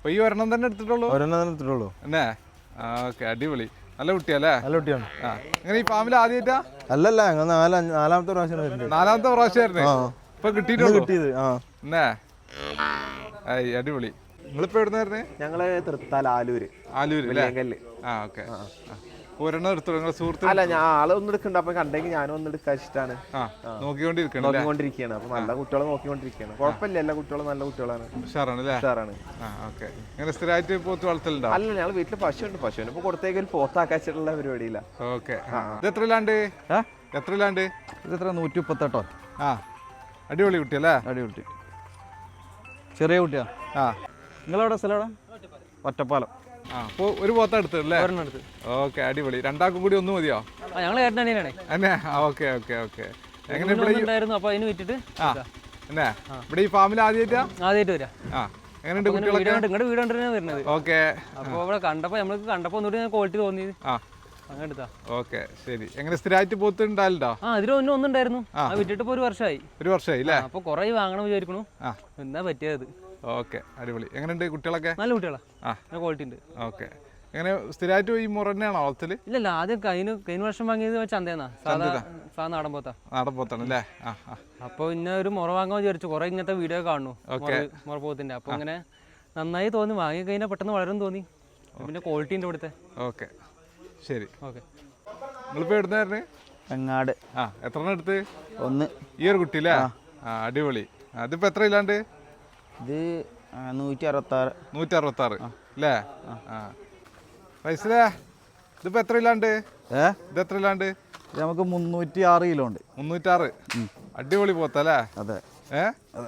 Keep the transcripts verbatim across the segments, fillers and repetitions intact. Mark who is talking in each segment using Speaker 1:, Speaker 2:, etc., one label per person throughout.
Speaker 1: അപ്പൊ ഈ ഒരെണ്ണം തന്നെ എടുത്തിട്ടുള്ളൂ?
Speaker 2: ഒരെണ്ണം തന്നെ എടുത്തിട്ടുള്ളൂ.
Speaker 1: എന്നേ ഓക്കെ, അടിപൊളി. നല്ല കുട്ടിയല്ലേ?
Speaker 2: നല്ല കുട്ടിയാണ്.
Speaker 1: ആ ഇങ്ങനെ ഈ ഫാമിൽ ആദ്യമായിട്ടാ?
Speaker 2: അല്ലല്ല, നാലാ നാലാമത്തെ പ്രാവശ്യം.
Speaker 1: നാലാമത്തെ പ്രാവശ്യമായിരുന്നു ഇപ്പൊ കിട്ടിയിട്ടുള്ളൂ?
Speaker 2: കിട്ടിയത്. ആ
Speaker 1: എന്നേ അടിപൊളി. നിങ്ങളിപ്പോ എവിടുന്നായിരുന്നേ?
Speaker 3: ഞങ്ങള് തൃത്താല ആലൂര്.
Speaker 1: ആലൂര് അല്ലേ? ആ ഓക്കെ. ഒരെണ്ണം എടുത്തോളൂ നിങ്ങളെ സുഹൃത്ത്?
Speaker 3: അല്ല, ഞാൻ ആളെ ഒന്നും എടുക്കണ്ട, അപ്പൊ കണ്ടെങ്കിൽ ഞാനും ഒന്ന് എടുക്കാൻ ഇഷ്ടമാണ്.
Speaker 1: നോക്കിക്കൊണ്ടിരിക്കണം
Speaker 3: നോക്കിക്കൊണ്ടിരിക്കുകയാണ്. അപ്പൊ നല്ല കുട്ടികളെ നോക്കിക്കൊണ്ടിരിക്കുകയാണ്. കുഴപ്പമില്ല, എല്ലാ കുട്ടികളും നല്ല കുട്ടികളാണ്.
Speaker 1: ഉഷാറാണ് അല്ലേ?
Speaker 3: ഉഷാറാണ്.
Speaker 1: ഇങ്ങനെ സ്ഥിരമായിട്ട് പോത്ത് വളർത്തലുണ്ടോ?
Speaker 3: അല്ല, ഞങ്ങൾ വീട്ടില് പശുണ്ട്. പശുവിന് ഇപ്പൊ കൊടുത്തേക്ക് ഒരു പോത്താക്കാച്ചിട്ടുള്ള പരിപാടിയില്ല.
Speaker 1: ഓക്കെ. ഇത് എത്രയിലാണ്ട്? എത്രയിലാണ്ട്?
Speaker 2: ഇത് എത്ര? നൂറ്റി മുപ്പത്തെട്ടോ.
Speaker 1: ആ അടിപൊളി കുട്ടിയല്ലേ?
Speaker 2: അടിപൊളി ചെറിയ കുട്ടിയാ. ആ നിങ്ങളെവിടെ സ്ഥലം? എവിടെ? ഒറ്റപ്പാലം.
Speaker 1: ആ അപ്പോൾ ഒരു പോത്ത എടുത്തല്ലേ? ഓക്കെ, അടിപൊളി. രണ്ടാൾക്കും കൂടി ഒന്ന് മതിയോ?
Speaker 4: ഞങ്ങൾ ഏട്ടനാണ്.
Speaker 1: അന്നെ ഓക്കെ ഓക്കെ ഓക്കെ. എങ്ങനെ ഇവിടെ
Speaker 4: അപ്പൊ അതിന് വിറ്റിട്ട്
Speaker 1: ആ എന്നെ ഇവിടെ ഈ ഫാമിൽ ആദ്യമായിട്ടാ?
Speaker 4: ആദ്യമായിട്ട് വരാം.
Speaker 1: ആ എങ്ങനെയുണ്ട് കുട്ടികളൊക്കെ?
Speaker 4: നിങ്ങളുടെ വീട് കണ്ടിട്ടാണ് വരുന്നത്.
Speaker 1: ഓക്കെ.
Speaker 4: അപ്പൊ ഇവിടെ കണ്ടപ്പോ നമ്മൾക്ക് കണ്ടപ്പോ ഒന്നുകൂടി ക്വാളിറ്റി തോന്നിയത്.
Speaker 1: ആ
Speaker 4: അങ്ങനെ എടുത്താ.
Speaker 1: ഓക്കെ ശരി. എങ്ങനെ സ്ഥിരമായിട്ട് പോത്ത് ഉണ്ടായില്ലോ?
Speaker 4: ആ അതിൽ ഒന്നും ഒന്നുണ്ടായിരുന്നു. ആ വിറ്റിട്ട് ഇപ്പൊ ഒരു വർഷമായി.
Speaker 1: ഒരു വർഷമായി അല്ലേ?
Speaker 4: അപ്പൊ കുറെ വാങ്ങണം വിചാരിക്കണു.
Speaker 1: ആ
Speaker 4: എന്താ പറ്റിയത്?
Speaker 1: ഓക്കെ, അടിപൊളി. എങ്ങനെയുണ്ട് കുട്ടികളൊക്കെ?
Speaker 4: നല്ല കുട്ടികളാ.
Speaker 1: ആ
Speaker 4: ക്വാളിറ്റി ഉണ്ട്.
Speaker 1: ഓക്കെ. എങ്ങനെ സ്ഥിരമായിട്ട് ഈ മുറ തന്നെയാണോ വളർത്തല്?
Speaker 4: ഇല്ലല്ല, ആദ്യം കഴിഞ്ഞ കഴിഞ്ഞ വർഷം വാങ്ങിയത് ചന്തേന്നാ. സാധാ സാധാ നാടൻ പോത്താ.
Speaker 1: നാടൻ പോത്താണ് അല്ലേ? ആ ആ.
Speaker 4: അപ്പൊ ഇന്ന ഒരു മുറ വാങ്ങാൻ വിചാരിച്ചു. കുറെ ഇങ്ങനത്തെ വീഡിയോ കാണുന്നു മുറ പോത്തിന്റെ. അപ്പൊ ഇങ്ങനെ നന്നായി തോന്നി. വാങ്ങി കഴിഞ്ഞാൽ പെട്ടെന്ന് വളരും തോന്നി. പിന്നെ ക്വാളിറ്റി ഉണ്ട് ഇവിടുത്തെ.
Speaker 1: ഓക്കെ ശരി.
Speaker 4: ഓക്കെ.
Speaker 1: നിങ്ങളിപ്പോ എവിടുന്നായിരുന്നു?
Speaker 2: എങ്ങാട്.
Speaker 1: ആ എത്ര എണ്ണം എടുത്ത്?
Speaker 2: ഒന്ന്.
Speaker 1: ഈ ഒരു കുട്ടി അല്ലേ? ആ അടിപൊളി. അതിപ്പോ എത്ര ഇല്ലാണ്ട്?
Speaker 2: ഇത് നൂറ്റി അറുപത്താറ്.
Speaker 1: നൂറ്റി അറുപത്തി ആറ് അല്ലേ? ആ പൈസലേ ഇതിപ്പോ എത്ര ഇല്ലാണ്ട്?
Speaker 2: ഏ
Speaker 1: ഇത് എത്ര ഇല്ലാണ്ട്?
Speaker 2: ഇത് നമുക്ക് മുന്നൂറ്റി ആറ് കിലോ ഉണ്ട്.
Speaker 1: മുന്നൂറ്റാറ്. അടിപൊളി പോത്തല്ലേ?
Speaker 2: അതെ.
Speaker 1: ഏ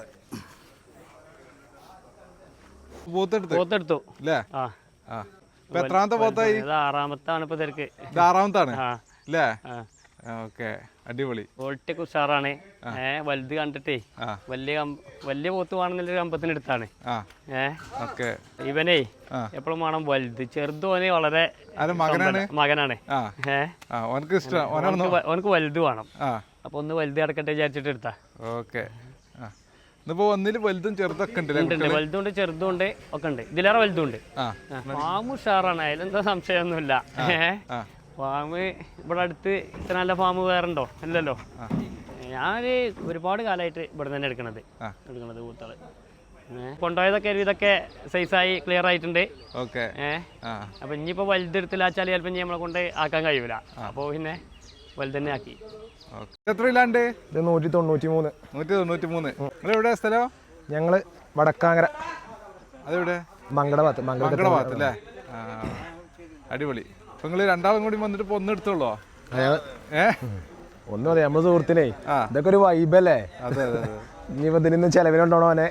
Speaker 1: പോത്തെടുത്ത്
Speaker 5: പോത്തെടുത്തു
Speaker 1: അല്ലേ? ആ ആ ഇപ്പൊ എത്രാമത്തെ പോത്തായി?
Speaker 5: ആറാമത്താണ് ഇപ്പൊ തിരക്ക്.
Speaker 1: ഇത് ആറാമത്താണ് അല്ലേ? ഓക്കെ, അടിപൊളി.
Speaker 5: ക്വാളിറ്റി ഒക്കെ ഉഷാറാണ്. ഏഹ് വലുത് കണ്ടിട്ടേ വലിയ വലിയ പോത്ത് വേണമെന്നുള്ള കമ്പത്തിന് എടുത്താണ്. ഏഹ് ഇവനേ എപ്പോഴും വേണം വലുത്. ചെറുതോനെ വളരെ
Speaker 1: മകനാണ്
Speaker 5: മകനാണ്
Speaker 1: ഏഹ്
Speaker 5: ഓനക്ക് വലുത് വേണം. അപ്പൊ ഒന്ന് വലുത് കിടക്കട്ടെ വിചാരിച്ചിട്ട് എടുത്താ.
Speaker 1: ഓക്കെ. ഇന്നിപ്പോ ഒന്നില് വലുതും ചെറുതൊക്കെ ഉണ്ട്.
Speaker 5: വലുതുണ്ട് ചെറുതുണ്ട് ഒക്കെ ഉണ്ട്. ഇതിലേറെ വലുതുണ്ട്. ഫാം ഉഷാറാണ്, അതിലെന്താ സംശയമൊന്നുമില്ല. ഏഹ് ഫാമ് ഇവിടെ അടുത്ത് ഇത്ര നല്ല ഫാം വേറെ ഉണ്ടോ? ഇല്ലല്ലോ. ഞാൻ ഒരുപാട് കാലമായിട്ട് ഇവിടെ തന്നെ എടുക്കണത് എടുക്കണത് കൂത്താള്. കൊണ്ടുപോയതൊക്കെ ഇതൊക്കെ സൈസായി ക്ലിയർ ആയിട്ടുണ്ട്. ഏഹ് അപ്പൊ ഇനിയിപ്പോ വലുതെടുത്തില്ലാച്ചാൽ ചിലപ്പോ ഇനി നമ്മളെ കൊണ്ട് ആക്കാൻ കഴിയൂല. അപ്പൊ പിന്നെ വലുത് തന്നെ ആക്കി.
Speaker 1: എത്രയില്ലാണ്ട്?
Speaker 6: നൂറ്റി തൊണ്ണൂറ്റി മൂന്ന്.
Speaker 1: നൂറ്റി തൊണ്ണൂറ്റി മൂന്ന്. നിങ്ങൾ എവിടെ സ്ഥലം?
Speaker 6: ഞങ്ങള് വടക്കാങ്ങര.
Speaker 1: അതെവിടെ?
Speaker 6: മങ്കട ഭാഗത്ത്.
Speaker 1: മങ്കട ഭാഗത്ത് അല്ലേ? അടിപൊളി. അപ്പൊ നിങ്ങള് രണ്ടാളും കൂടി വന്നിട്ട് ഇപ്പൊ ഒന്ന് എടുത്തോളോ? ഏ
Speaker 6: ഒന്ന് മതി. നമ്മള് സുഹൃത്തിനെ ഇതൊക്കെ ഒരു വൈബല്ലേ?
Speaker 1: അതെ അതെ.
Speaker 6: ഇനിയിപ്പോ ഇതിന് ചെലവിനുണ്ടോണോ അവനെ?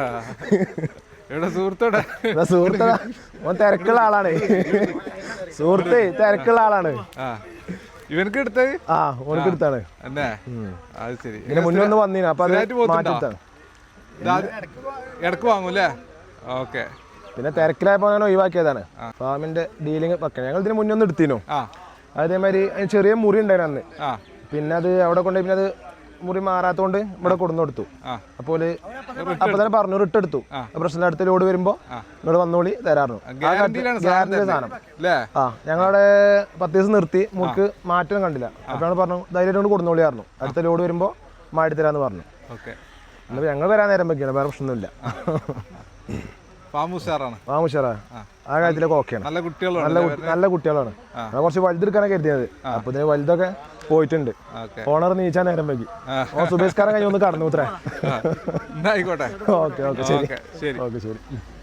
Speaker 1: ഇവിടെ സുഹൃത്തോടെ
Speaker 6: സുഹൃത്ത ഓൻ തിരക്കുള്ള ആളാണ്. സുഹൃത്ത് തിരക്കുള്ള ആളാണ്.
Speaker 1: ഇവനക്ക് എടുത്തത്?
Speaker 6: ആ ഓനക്ക് എടുത്താണ്.
Speaker 1: എന്നെ അത് ശരി.
Speaker 6: ഇതിന് മുന്നേ ഒന്ന് വന്നീന. അപ്പൊ അത് മാറ്റിട്ടാണ്.
Speaker 1: ഇടക്ക് വാങ്ങൂല്ലേ? ഓക്കെ.
Speaker 6: പിന്നെ തിരക്കിലായപ്പോ ഞാൻ ഒഴിവാക്കിയതാണ്. ഫാമിന്റെ ഡീലിങ് വെക്കണം. ഞങ്ങൾ ഇതിന് മുന്നേ ഒന്ന് എടുത്തിനു. അതേമാതിരി ചെറിയ മുറി ഉണ്ടായിരുന്നു അന്ന്. പിന്നെ അത് അവിടെ കൊണ്ടുപോയി പിന്നെ അത് മുറി മാറാത്തോണ്ട് ഇവിടെ കൊടുന്നു കൊടുത്തു. അപ്പോൾ അപ്പൊ തന്നെ പറഞ്ഞു റിട്ട് എടുത്തു. പ്രശ്നം അടുത്ത ലോഡ് വരുമ്പോ നിങ്ങൾ വന്നോളി തരാറുണ്ട്. ഗ്യാരണ്ടി സാധനം. ആ ഞങ്ങളവിടെ പത്ത് ദിവസം നിർത്തി മുറിക്ക് മാറ്റം കണ്ടില്ല. അപ്പോഴാണ് പറഞ്ഞു ധൈര്യം കൊണ്ട് കൊടുന്നോളി പറഞ്ഞു. അടുത്ത ലോഡ് വരുമ്പോ മാറ്റി തരാന്ന് പറഞ്ഞു. എന്നിട്ട് ഞങ്ങൾ വരാൻ നേരം വെക്കാണ്. വേറെ പ്രശ്നമൊന്നുമില്ല.
Speaker 1: ഫാം ഉഷാറാണ്.
Speaker 6: ഫാം ഉഷാറാ. ആ കാര്യത്തിലൊക്കെ ഓക്കെയാണ്.
Speaker 1: നല്ല കുട്ടികളാണ്.
Speaker 6: നല്ല നല്ല കുട്ടികളാണ്. കുറച്ച് വലുതെടുക്കാനൊക്കെ കരുതിയത്. അപ്പൊ ഇതിന് വലുതൊക്കെ പോയിട്ടുണ്ട്. ഓണർ നീച്ചാൻ നേരം വൈകി. ഓ സുബേഷ്കാരൻ കഴിഞ്ഞ് ഒന്ന് കടന്നു ഉത്തരേ.
Speaker 1: ആയിക്കോട്ടെ.
Speaker 6: ഓക്കെ ഓക്കെ ശരി. ഓക്കെ ശരി.